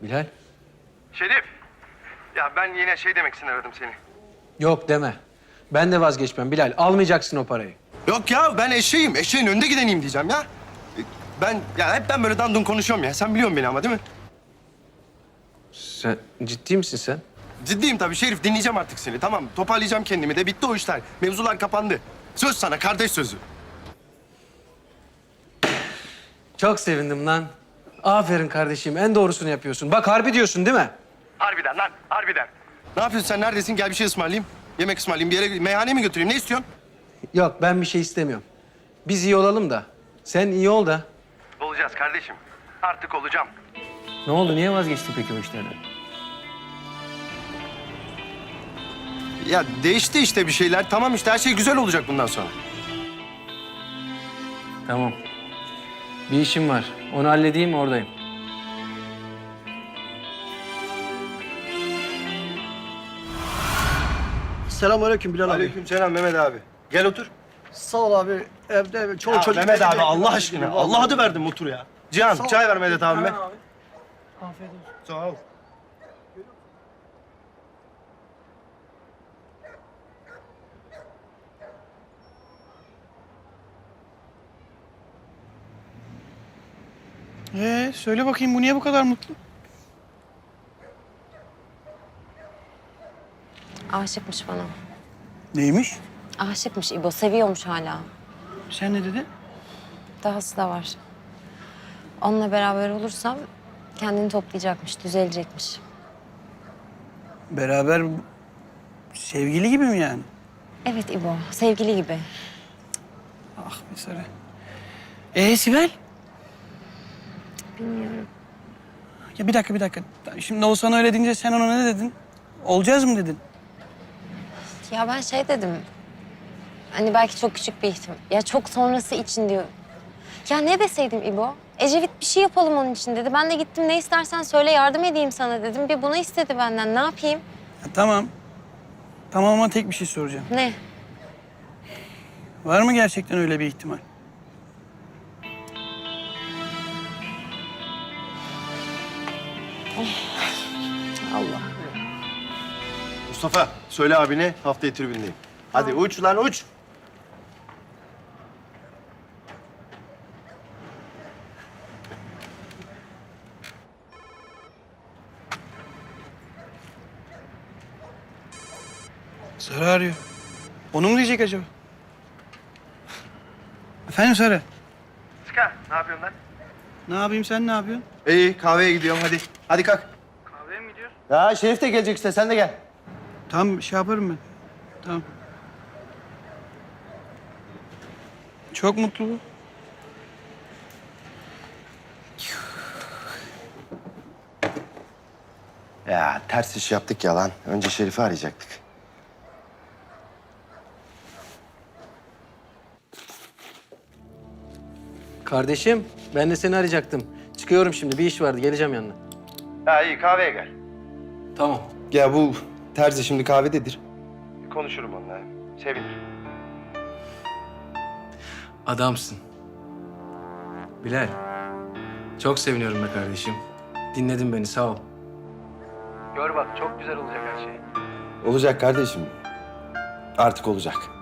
Bilal. Şerif. Ya ben yine şey demek için aradım seni. Yok deme. Ben de vazgeçmem Bilal. Almayacaksın o parayı. Yok ya ben eşeğim. Eşeğin önde gideneyim diyeceğim ya. Hep ben böyle dandun konuşuyorum ya. Sen biliyorsun beni ama değil mi? Sen ciddi misin sen? Ciddiyim tabii Şerif. Dinleyeceğim artık seni. Tamam toparlayacağım kendimi de. Bitti o işler. Mevzular kapandı. Söz sana kardeş sözü. Çok sevindim lan. Aferin kardeşim. En doğrusunu yapıyorsun. Bak harbi diyorsun değil mi? Harbiden lan harbiden. Ne yapıyorsun sen? Neredesin? Gel bir şey ısmarlayayım. Yemek ısmarlayayım. Bir yere meyhaneye mi götüreyim? Ne istiyorsun? Yok ben bir şey istemiyorum. Biz iyi olalım da. Sen iyi ol da. Olacağız kardeşim. Artık olacağım. Ne oldu? Niye vazgeçtin peki o işlerden? Ya değişti işte bir şeyler. Tamam işte her şey güzel olacak bundan sonra. Tamam. Bir işim var. Onu halledeyim oradayım. Selamünaleyküm Bilal abi. Aleykümselam Mehmet abi. Gel otur. Sağ ol abi. Evde çoğu Ya çocuk... Mehmet abi Allah aşkına. Allah adı verdim otur ya. Cihan Sağ ol. çay ver Mehmet abime. Hemen abi. Afiyet olsun. Sağ ol. Söyle bakayım bu niye bu kadar mutlu? Aşıkmış bana. Neymiş? Aşıkmış İbo, seviyormuş hala. Sen ne dedin? Dahası da var. Onunla beraber olursam kendini toplayacakmış, düzelecekmiş. Beraber sevgili gibi mi yani? Evet İbo, sevgili gibi. Ah be Sarı. Sibel? Bilmiyorum. Ya bir dakika. Şimdi Oğuzhan öyle deyince sen ona ne dedin? Olacağız mı dedin? Ya ben şey dedim. Hani belki çok küçük bir ihtimal. Ya çok sonrası için diyor. Ya ne deseydim İbo? Ecevit bir şey yapalım onun için dedi. Ben de gittim ne istersen söyle yardım edeyim sana dedim. Bir bunu istedi benden. Ne yapayım? Ya, tamam. Tamam ama tek bir şey soracağım. Ne? Var mı gerçekten öyle bir ihtimal? Allah. Mustafa söyle abine haftaya tribündeyim. Hadi uç lan uç. Sarı arıyor. Onu mu diyecek acaba? Efendim Sarı? Çıkar. Ne yapıyorsun lan? Ne yapayım sen ne yapıyorsun? İyi kahveye gidiyorum hadi. Hadi kalk. Kahveye mi gidiyorsun? Ya Şerif de gelecek işte sen de gel. Tamam şey yaparım ben. Tamam. Çok mutlu bu. Ya ters iş yaptık ya lan. Önce Şerif'i arayacaktık. Kardeşim ben de seni arayacaktım. Çıkıyorum şimdi. Bir iş vardı. Geleceğim yanına. Ya iyi kahveye gel. Tamam. Ya bu terzi şimdi kahvededir. Konuşurum onunla. Sevinir. Adamsın. Bilal. Çok seviniyorum be kardeşim. Dinledin beni sağ ol. Gör bak çok güzel olacak her şey. Olacak kardeşim. Artık olacak.